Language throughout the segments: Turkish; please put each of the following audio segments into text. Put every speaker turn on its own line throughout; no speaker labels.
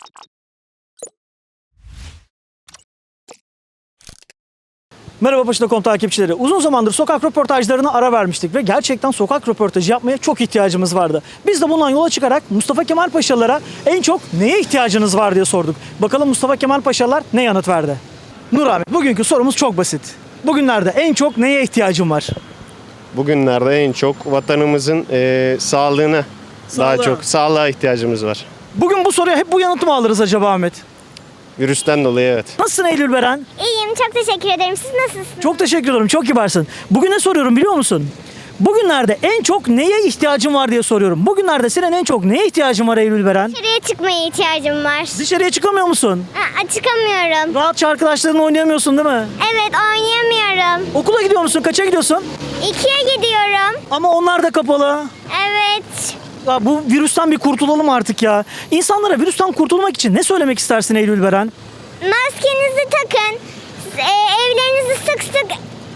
Merhaba Paşa.com takipçileri. Uzun zamandır sokak röportajlarına ara vermiştik ve gerçekten sokak röportajı yapmaya çok ihtiyacımız vardı. Biz de bundan yola çıkarak Mustafa Kemal Paşalara en çok neye ihtiyacınız var diye sorduk. Bakalım Mustafa Kemal Paşalar ne yanıt verdi? Nur abi, bugünkü sorumuz çok basit. Bugünlerde en çok neye ihtiyacın var?
Bugünlerde en çok vatanımızın sağlığına, daha çok sağlığa ihtiyacımız var.
Bugün bu soruya hep bu yanıtı mı alırız acaba Ahmet?
Virüsten dolayı evet.
Nasılsın Eylül Beren?
İyiyim, çok teşekkür ederim. Siz nasılsınız?
Çok teşekkür ederim, çok kibarsın. Bugün ne soruyorum biliyor musun? Bugünlerde en çok neye ihtiyacın var diye soruyorum. Bugünlerde senin en çok neye ihtiyacın var Eylül Beren?
Dışarıya çıkmaya ihtiyacım var.
Dışarıya çıkamıyor musun?
Çıkamıyorum.
Rahatça arkadaşlarınla oynayamıyorsun değil mi?
Evet, oynayamıyorum.
Okula gidiyor musun? Kaça gidiyorsun?
2'ye gidiyorum.
Ama onlar da kapalı.
Evet.
Ya bu virüsten bir kurtulalım artık ya. İnsanlara virüsten kurtulmak için ne söylemek istersin Eylül Beren?
Maskenizi takın. Evlerinizi sık sık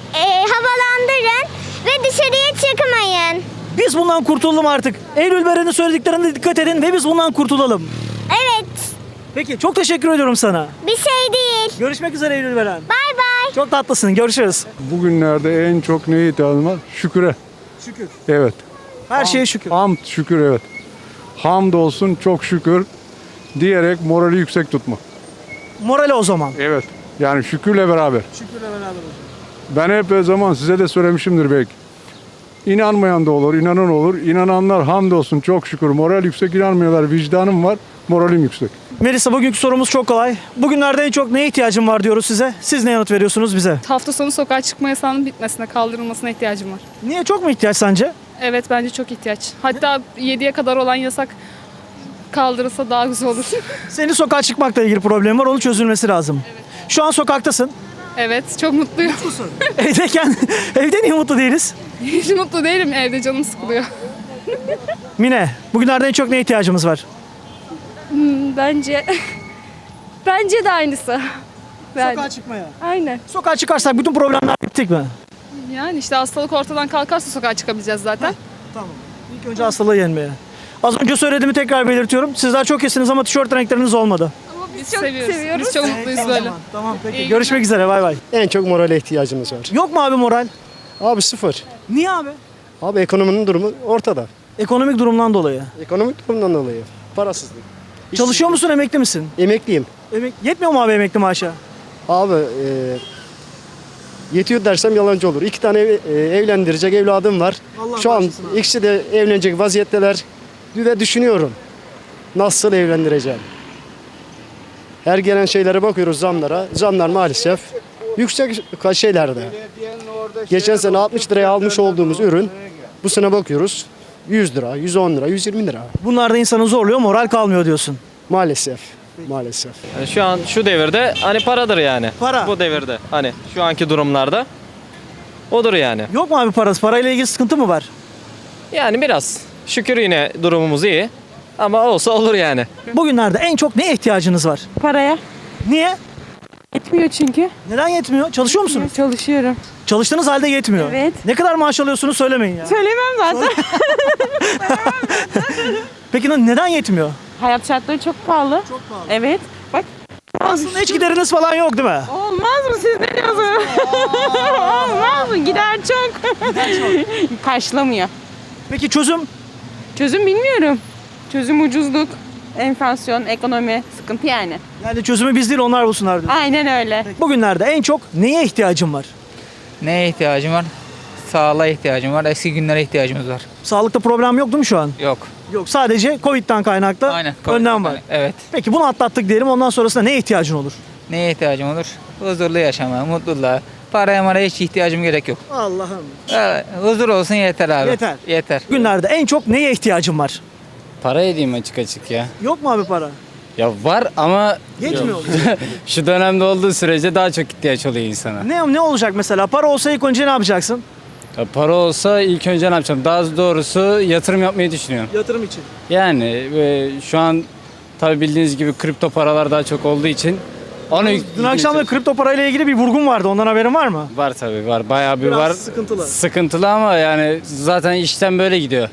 havalandırın. Ve dışarıya çıkmayın.
Biz bundan kurtulalım artık. Eylül Beren'in söylediklerine dikkat edin ve biz bundan kurtulalım.
Evet.
Peki, çok teşekkür ediyorum sana.
Bir şey değil.
Görüşmek üzere Eylül Beren.
Bay bay.
Çok tatlısın. Görüşürüz.
Bugünlerde en çok neye ihtiyacım var? Şüküre.
Şükür.
Evet.
Her şeye şükür.
Hamd, şükür evet. Hamd olsun, çok şükür diyerek morali yüksek tutma.
Morale o zaman.
Evet. Yani şükürle beraber.
Şükürle beraber.
Ben hep o zaman size de söylemişimdir belki. İnanmayan da olur, inanan olur. İnananlar hamd olsun, çok şükür. Moral yüksek, inanmıyorlar. Vicdanım var, moralim yüksek.
Melisa, bugünkü sorumuz çok kolay. Bugünlerde en çok neye ihtiyacım var diyoruz size. Siz ne yanıt veriyorsunuz bize?
Hafta sonu sokağa çıkma yasağının bitmesine, kaldırılmasına ihtiyacım var.
Niye, çok mu ihtiyaç sence?
Evet, bence çok ihtiyaç. Hatta 7'ye kadar olan yasak kaldırılsa daha güzel olur.
Senin sokağa çıkmakla ilgili problem var. Onun çözülmesi lazım. Şu an sokaktasın.
Evet, çok mutluyum.
Evdeyken, evde niye mutlu değiliz?
Hiç mutlu değilim, evde canım sıkılıyor.
Mine, bugünlerde en çok neye ihtiyacımız var?
Bence de aynısı.
Sokağa çıkmaya.
Aynen.
Sokağa çıkarsak bütün problemler bittik mi?
Yani işte hastalık ortadan kalkarsa sokağa çıkabileceğiz zaten.
Tamam. İlk önce hastalığı yenmeye. Az önce söylediğimi tekrar belirtiyorum. Sizler çok iyisiniz ama tişört renkleriniz olmadı.
Biz
çok
seviyoruz.
seviyoruz.
Biz çok mutluyuz böyle.
Tamam peki.
İyi
Görüşmek üzere, bay bay.
En çok morale ihtiyacımız var.
Yok mu abi moral?
Abi sıfır.
Niye abi?
Abi ekonominin durumu ortada.
Ekonomik durumdan dolayı.
Ekonomik durumdan dolayı. Parasızlık.
Çalışıyor musun, emekli misin?
Emekliyim.
Yetmiyor mu abi emekli maaşa?
Abi yetiyor dersem yalancı olur. 2 tane evlendirecek evladım var.
Allah
Şu an
bağışlasın abi.
ikisi de evlenecek vaziyetteler. Ve düşünüyorum. Nasıl evlendireceğim? Her gelen şeylere bakıyoruz, zamlara. Zamlar maalesef yüksek şeylerde. Geçen sene 60 liraya almış olduğumuz ürün bu sene bakıyoruz 100 lira, 110 lira, 120 lira.
Bunlar da insanı zorluyor, moral kalmıyor diyorsun.
Maalesef. Maalesef.
Yani şu an şu devirde hani paradır yani.
Para.
Bu devirde hani şu anki durumlarda odur yani.
Yok mu abi parası? Parayla ilgili sıkıntı mı var?
Yani biraz şükür yine durumumuz iyi ama olsa olur yani.
Bugünlerde en çok neye ihtiyacınız var?
Paraya.
Niye?
Yetmiyor çünkü.
Neden yetmiyor? Çalışıyor musunuz?
Çalışıyorum.
Çalıştığınız halde yetmiyor.
Evet.
Ne kadar maaş alıyorsunuz söylemeyin ya.
Söylemem zaten.
Peki neden yetmiyor?
Hayat şartları çok pahalı.
Çok pahalı.
Evet. Bak.
Aslında hiç gideriniz falan yok değil mi?
Olmaz mı, siz ne diyorsunuz? Olmaz mı? Gider çok. Karşılamıyor.
Peki çözüm?
Çözüm bilmiyorum. Çözüm ucuzluk, enflasyon, ekonomi, sıkıntı yani.
Yani çözümü biz değil onlar bulsunlar diyor.
Aynen öyle.
Bugünlerde en çok neye ihtiyacım var?
Neye ihtiyacım var? Sağlığa ihtiyacım var. Eski günlere ihtiyacımız var.
Sağlıkta problem yok değil mi şu an?
Yok.
Yok, sadece Covid'den kaynaklı
Aynen.
önlem var.
Evet.
Peki bunu atlattık diyelim, ondan sonrasında neye ihtiyacın olur?
Neye ihtiyacım olur? Huzurlu yaşama, mutluluğa. Paraya maraya hiç ihtiyacım gerek yok.
Allah'ım.
Evet, huzur olsun yeter abi.
Yeter.
Yeter.
Bugünlerde en çok neye ihtiyacım var?
Para edeyim açık ya.
Yok mu abi para?
Ya var ama
Yetmiyor.
şu dönemde olduğu sürece daha çok ihtiyaç oluyor insana.
Ne olacak mesela? Para olsa ilk önce ne yapacaksın?
Ya para olsa ilk önce ne yapacağım? Daha doğrusu yatırım yapmayı düşünüyorum.
Yatırım için.
Yani şu an tabi bildiğiniz gibi kripto paralar daha çok olduğu için onu
Dün akşam da kripto parayla ilgili bir vurgun vardı. Ondan haberin var mı?
var tabi var. Bayağı bir
Biraz
var.
sıkıntılı.
Sıkıntılı ama yani zaten işten böyle gidiyor.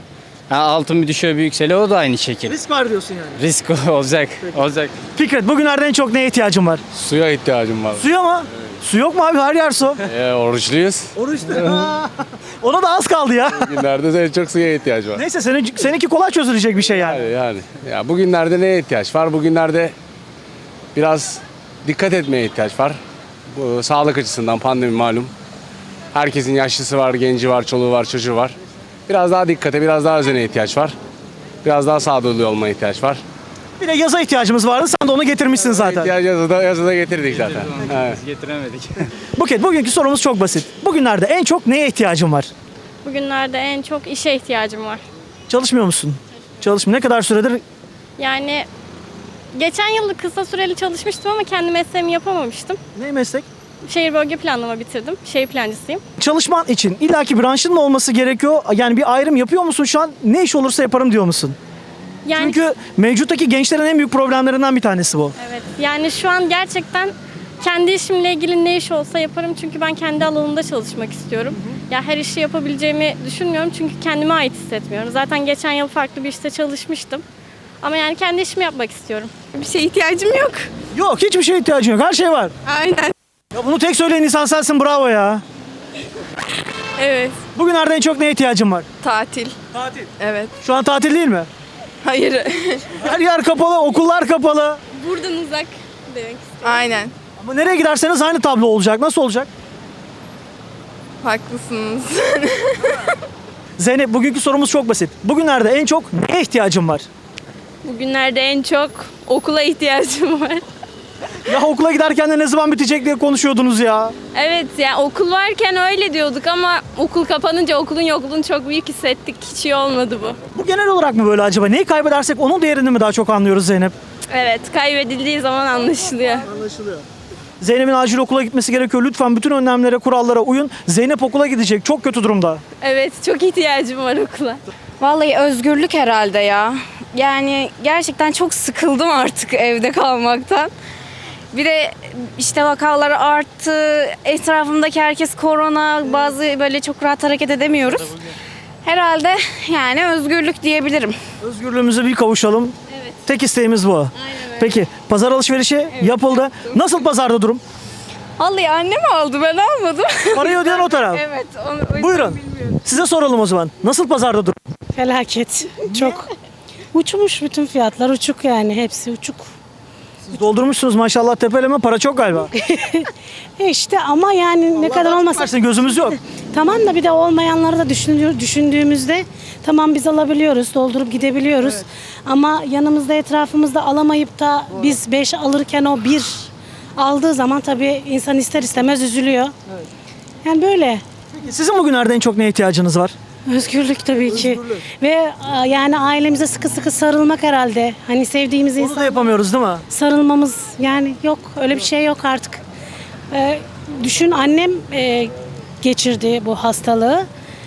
Ha, altın bir düşüyor bir yükseliyor o da aynı şekil.
Risk var diyorsun yani.
Risk olacak. Olacak.
Fikret bugünlerde en çok neye ihtiyacın var?
Suya ihtiyacım var.
Suya mı? Su yok mu abi? Her yer su.
Oruçluyuz.
Oruçlu. Ona da az kaldı ya.
Bugünlerde de en çok suya ihtiyaç var.
Neyse seninki kolay çözülecek bir şey yani.
Yani. Ya bugünlerde neye ihtiyaç var? Bugünlerde biraz dikkat etmeye ihtiyaç var. Bu sağlık açısından pandemi malum. Herkesin yaşlısı var, genci var, çoluğu var, çocuğu var. Biraz daha dikkate, biraz daha özene ihtiyaç var. Biraz daha sağduyulu olmaya ihtiyaç var.
Bir de yaza ihtiyacımız vardı. Sen de onu getirmişsin zaten.
Yazıda getirdik zaten. Evet.
Biz getiremedik.
Buket, bugünkü sorumuz çok basit. Bugünlerde en çok neye ihtiyacın var?
Bugünlerde en çok işe ihtiyacım var.
Çalışmıyor musun? Ne kadar süredir?
Yani geçen yıl kısa süreli çalışmıştım ama kendi mesleğimi yapamamıştım.
Ne meslek?
Şehir bölge planlama bitirdim. Şehir plancısıyım.
Çalışman için illaki branşın mı olması gerekiyor? Yani bir ayrım yapıyor musun şu an? Ne iş olursa yaparım diyor musun?
Yani
Çünkü mevcuttaki gençlerin en büyük problemlerinden bir tanesi bu.
evet. Yani şu an gerçekten kendi işimle ilgili ne iş olsa yaparım. Çünkü ben kendi alanımda çalışmak istiyorum. Ya her işi yapabileceğimi düşünmüyorum çünkü kendime ait hissetmiyorum. Zaten geçen yıl farklı bir işte çalışmıştım. Ama yani kendi işimi yapmak istiyorum.
Bir şeye ihtiyacım yok.
Yok, hiçbir şeye ihtiyacın yok. Her şey var.
Aynen.
Ya bunu tek söyleyen insan sensin, bravo ya.
Evet.
Bugünlerde en çok neye ihtiyacın var?
Tatil.
Tatil.
Evet.
Şu an tatil değil mi?
Hayır.
Her yer kapalı, okullar kapalı.
Buradan uzak demek.
Aynen.
Ama nereye giderseniz aynı tablo olacak. Nasıl olacak?
Haklısınız.
Zeynep, bugünkü sorumuz çok basit. Bugünlerde en çok neye ihtiyacın var?
Bugünlerde en çok okula ihtiyacım var.
Ya okula giderken de ne zaman bitecek diye konuşuyordunuz ya.
Evet yani okul varken öyle diyorduk ama okul kapanınca okulun yokluğunu çok büyük hissettik. Hiç iyi olmadı bu.
Bu genel olarak mı böyle acaba? Neyi kaybedersek onun değerini mi daha çok anlıyoruz Zeynep?
Evet kaybedildiği zaman anlaşılıyor.
Anlaşılıyor. Zeynep'in acil okula gitmesi gerekiyor. Lütfen bütün önlemlere, kurallara uyun. Zeynep okula gidecek. Çok kötü durumda.
Evet çok ihtiyacım var okula.
Vallahi özgürlük herhalde ya. Yani gerçekten çok sıkıldım artık evde kalmaktan. Bir de işte vakalar arttı. Etrafımdaki herkes korona. Bazı böyle çok rahat hareket edemiyoruz. Herhalde yani özgürlük diyebilirim.
Özgürlüğümüze bir kavuşalım.
Evet.
Tek isteğimiz bu.
Aynen öyle.
Peki pazar alışverişi yapıldı. Nasıl pazarda durum?
Vallahi annem aldı, ben almadım.
Parayı ödeyen o taraf.
Evet. Onu, o yüzden
Buyurun.
bilmiyorum.
Size soralım o zaman. Nasıl pazarda durum?
Felaket. Çok. Uçmuş bütün fiyatlar, uçuk yani, hepsi uçuk.
Siz doldurmuşsunuz maşallah tepeleme, para çok galiba.
İşte ama yani ne kadar olmasa.
Versin, gözümüz yok.
Tamam da bir de olmayanları da düşündüğümüzde tamam biz alabiliyoruz, doldurup gidebiliyoruz. Ama yanımızda, etrafımızda alamayıp da biz 5 alırken o 1 aldığı zaman tabii insan ister istemez üzülüyor. Yani böyle.
Peki, sizin bugünlerde en çok neye ihtiyacınız var?
Özgürlük tabii ki. Ve yani ailemize sıkı sıkı sarılmak herhalde. Hani sevdiğimiz
Onu da
insan
yapamıyoruz değil mi?
sarılmamız yani yok. Öyle bir şey yok artık. Düşün, annem geçirdi bu hastalığı.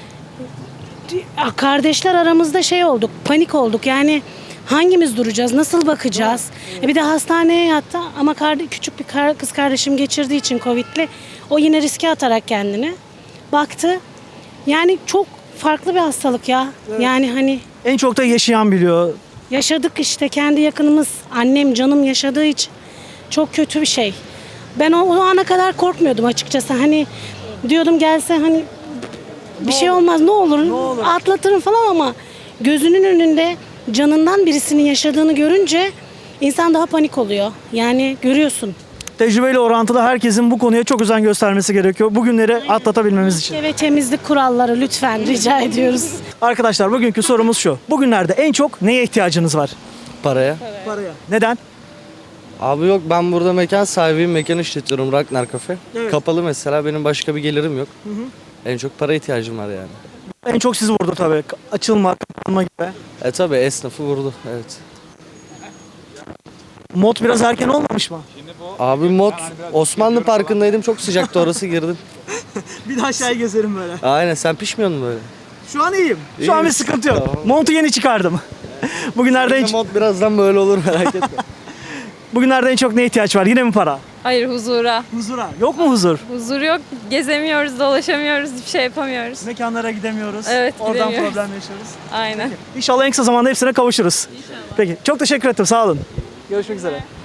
Kardeşler aramızda şey olduk, panik olduk. Yani hangimiz duracağız, nasıl bakacağız? Bir de hastaneye yattı ama küçük bir kız kardeşim geçirdiği için Covid'li. O yine riske atarak kendini baktı. Yani çok farklı bir hastalık ya. Yani hani
En çok da yaşayan biliyor.
yaşadık işte, kendi yakınımız, annem, canım yaşadığı için çok kötü bir şey. Ben o ana kadar korkmuyordum açıkçası. Hani diyordum gelse hani bir şey olmaz, ne olur atlatırım falan, ama gözünün önünde canından birisinin yaşadığını görünce insan daha panik oluyor. Yani görüyorsun.
Tecrübeyle orantılı herkesin bu konuya çok özen göstermesi gerekiyor. Bu günleri atlatabilmemiz için.
Ve temizlik kuralları lütfen rica ediyoruz.
Arkadaşlar, bugünkü sorumuz şu. Bugünlerde en çok neye ihtiyacınız var?
Paraya.
Paraya. Neden?
Abi yok, ben burada mekan sahibiyim, mekan işletiyorum, Ragnar Cafe.
Evet.
Kapalı mesela, benim başka bir gelirim yok. En çok para ihtiyacım var yani.
En çok sizi vurdu tabii. Açılma, kapanma gibi.
Tabii esnafı vurdu, evet.
Mod biraz erken olmamış mı?
Abi mod, Osmanlı Parkı'ndaydım, çok sıcaktı orası, girdim.
Bir daha aşağıya gezerim böyle.
Aynen, sen pişmiyor musun böyle?
Şu an iyiyim. Şu
İyi
an bir
misin?
sıkıntı yok.
Tamam.
Montu yeni çıkardım. Bugünlerde en
Mod birazdan böyle olur, merak etme.
Bugünlerde en çok neye ihtiyaç var? Yine mi para?
Hayır, huzura.
Huzura. Yok mu huzur?
Huzur yok. Gezemiyoruz, dolaşamıyoruz, hiçbir şey yapamıyoruz.
Mekanlara gidemiyoruz.
Evet,
Oradan
gidemiyoruz.
problem yaşıyoruz.
Aynen.
İnşallah en kısa zamanda hepsine kavuşuruz. Peki çok teşekkür ettim. Sağ olun. Görüşmek üzere.